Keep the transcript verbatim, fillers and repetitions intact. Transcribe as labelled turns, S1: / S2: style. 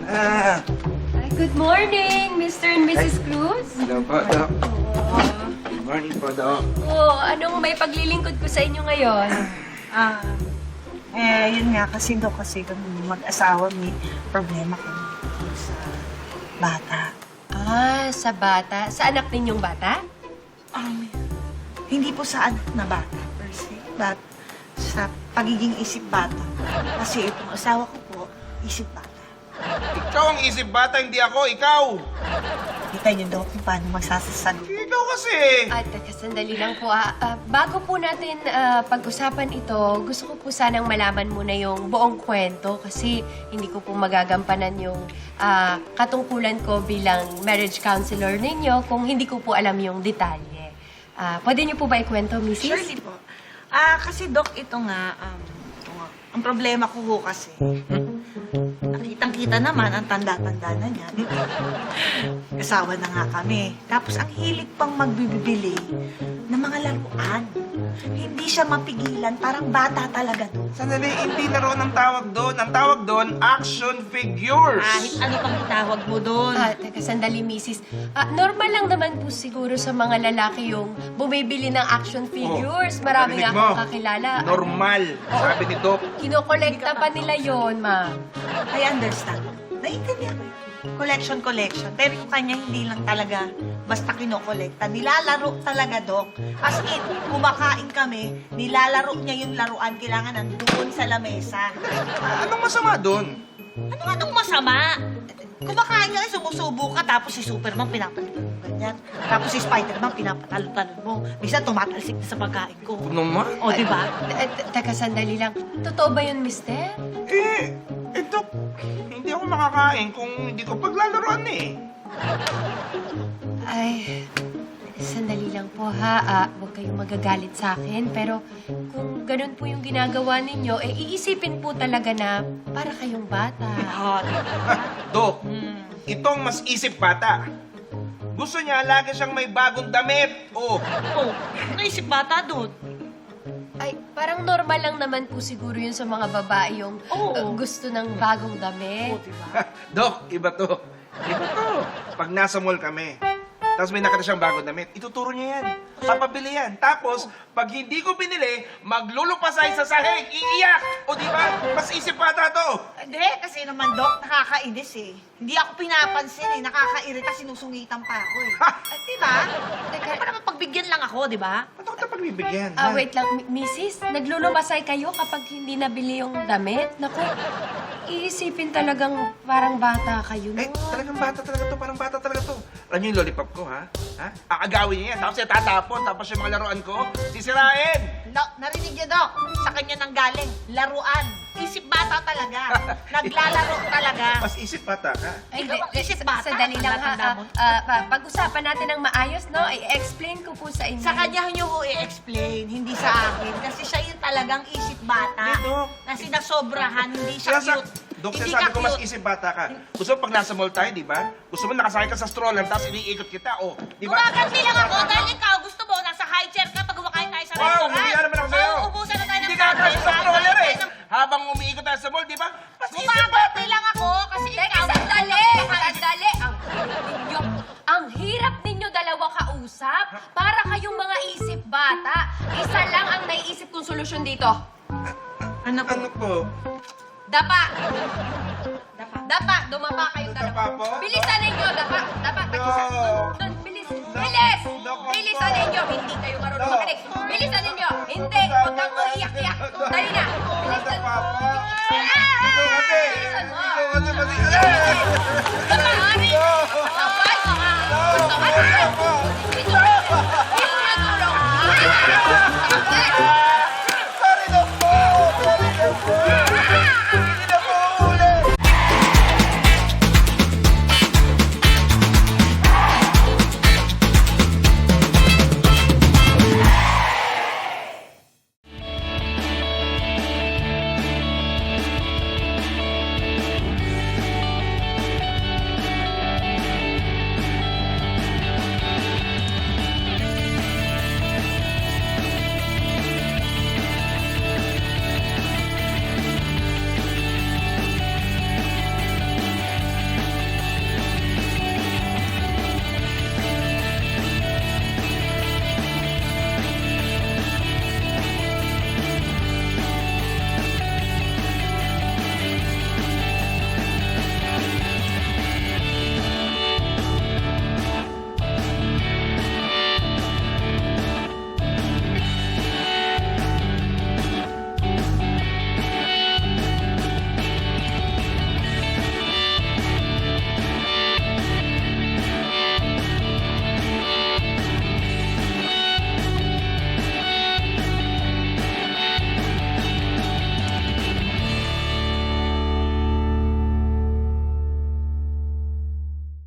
S1: Ah,
S2: Ay, good morning, Mister and Missus Cruz.
S1: hello po, Doc.
S2: Oh,
S1: Good morning po, Doc.
S2: oh, anong may paglilingkod ko sa inyo ngayon?
S3: Ah, eh, yun nga kasi daw kasi kami mag-asawa may problema kami sa bata.
S2: Ah, sa bata. Sa anak ninyong bata?
S3: Um, hindi po sa anak na bata per se, but sa pagiging isip bata. Kasi itong asawa ko po, isip bata.
S4: Ikaw ang isip bata, hindi ako, ikaw!
S3: Kita niyo daw kung paano magsasasalo.
S4: Ikaw kasi!
S2: At teka, sandali lang po. Ah, Ah, bago po natin ah, pag-usapan ito, gusto ko po sanang malaman muna yung buong kwento kasi hindi ko po magagampanan yung ah, katungkulan ko bilang marriage counselor ninyo kung hindi ko po alam yung detalye. Ah, pwede niyo po ba ikwento, Missus
S3: Surely po. Ah, kasi Doc, ito nga, um, ito nga, ang problema ko ho kasi, nakitang-kita naman ang tanda-tanda na niya, di ba? Kasawa na nga kami. Tapos ang hilig pang magbibili ng mga laruan. Hindi siya mapigilan, parang bata talaga doon.
S4: Sandali, hindi na roon ang tawag doon. Ang tawag doon, action figures.
S3: Kahit ano pang itawag mo doon.
S2: Ah, teka, sandali, Missus Ah, normal lang naman po siguro sa mga lalaki yung bumibili ng action figures. Marami nga
S4: Narinig mo?
S2: akong kakilala.
S4: Normal, sabi ni Doc.
S2: Kinokolekta pa nila yon, ma'am.
S3: I understand. Naiintindihan ko yun. Collection, collection. Pero yung kanya hindi lang talaga basta kinokolekta. Nilalaro talaga, Dok. As in, kumakain kami, nilalaro niya yung laruan. Kailangan nandoon sa lamesa.
S4: Ah, Anong masama doon?
S3: Ano anong masama? Kumakain ka, sumusubo ka, tapos si Superman pinapalitan mo ganyan. Tapos si Spiderman pinapatalo-talon mo. Minsan tumatalsik na sa pagkain ko.
S4: Ano naman?
S3: O, di ba?
S2: Eh, te- Teka, sandali lang. Totoo ba yun, mister?
S4: Eh, eh Doc, hindi ako makakain kung hindi ko paglalaroan eh.
S2: Ay, sandali lang po ha. Ah, huwag kayong magagalit sa akin. Pero kung ganun po yung ginagawa ninyo, eh iisipin po talaga na para kayong bata.
S3: Hot.
S4: Doc, itong mas isip bata. Gusto niya lagi siyang may bagong damit. Oh,
S3: Oh, naisip bata doon.
S2: Ay, parang normal lang naman po siguro yun sa mga babae yung
S3: Oo.
S2: uh, gusto ng bagong damit.
S3: Oh, di ba?
S4: Doc, iba to. Iba to. Pag nasa mall kami, tapos may nakita siyang bagong damit, ituturo niya yan. Papabili yan. Tapos, pag hindi ko binili, maglulupasay sa sahig, iiyak. O di ba? Mas isip bata to.
S3: Hindi, kasi naman, Dok, nakakainis eh. Hindi ako pinapansin eh. Nakakairita, sinusungitan pa ako eh.
S4: Ha!
S3: At di ba?
S2: Teka.
S3: Ano pa naman pagbigyan lang ako, di ba?
S4: Ba't ako tayo pagbibigyan?
S2: Ah,
S4: ha?
S2: wait lang, Mi- Missus Naglulumasay kayo kapag hindi nabili yung damit? Naku, iisipin talagang parang bata kayo.
S4: Eh,
S2: no?
S4: talagang bata talaga to. Parang bata talaga to. Alam niyo yung lollipop ko, ha? Ha? Aagawin niya yan. Tapos siya tatapon. Tapos yung mga laruan ko, sisirain.
S3: No, narinig niyo, Dok. Sa kanya nang galing. Laruan. Isip bata talaga. Naglalaro talaga.
S4: Mas isip bata ka.
S2: Ay,
S3: Ikaw
S2: di-
S3: ang
S2: di-
S3: isip
S2: sa-
S3: bata,
S2: Sandali lang ha.
S3: tanda
S2: ah,
S3: mo.
S2: ah, pa- pag-usapan natin ng maayos, no? I-explain ko po sa inyo.
S3: Sa kanya niyo ko i-explain, hindi sa akin. Kasi siya yung talagang isip bata.
S4: Hindi, Dok.
S3: Kasi nasobrahan, hindi siya
S4: Kaya sa...
S3: cute.
S4: Dok,
S3: Hindi
S4: sabi
S3: ka
S4: ko mas
S3: cute.
S4: isip bata ka. Gusto mo pag nasa mall tayo, di ba? Gusto mo nakasakay ka sa stroller, tapos iniikot kita, oh. Di ba?
S3: Gumaganti lang ako dahil ikaw gusto mo nasa high chair ka pag kumakain tayo sa
S4: Wow,
S3: restaurant.
S4: humiya naman ako sa'yo.
S3: Oo, ubusan na tayo ng
S4: Hindi ka
S3: kape,
S4: kasya sa
S3: kain
S4: stroller
S3: tayo
S4: eh.
S3: ng-
S4: Habang umiikot tayo sa mall, di ba? Mas isip
S3: Gumaganti lang ako kasi
S2: Teka,
S3: ikaw...
S2: sandali! Sandali! Ang hirap ninyo, ang hirap ninyo dalawa kausap para kayong mga isip bata. Isa lang ang naiisip kong solusyon dito.
S3: Ano po?
S4: Ano po?
S2: Dapa!
S3: Dapa.
S2: Dapa! Dumapa kayong dalawa.
S4: Dapa po?
S2: Bilisan ninyo! Dapa! Dapa! Tag-isa!
S4: No.
S2: Doon! Doon! Bilis! Bilis!
S4: Dok,
S2: Bilisan
S4: Dok.
S2: ninyo! Hindi kayo marunong
S4: Dok.
S2: makinig. Bilisan ninyo! Hindi! Huwag kang uiyak-iyak! Dali na! Bilisan mo!
S4: Dapa po.
S2: Ah!
S4: Ikaw kasi.
S2: Bilisan mo!
S4: Ikaw kasi mali. Aray!
S2: Dumahari! Sabay ka nga! Gusto ka na!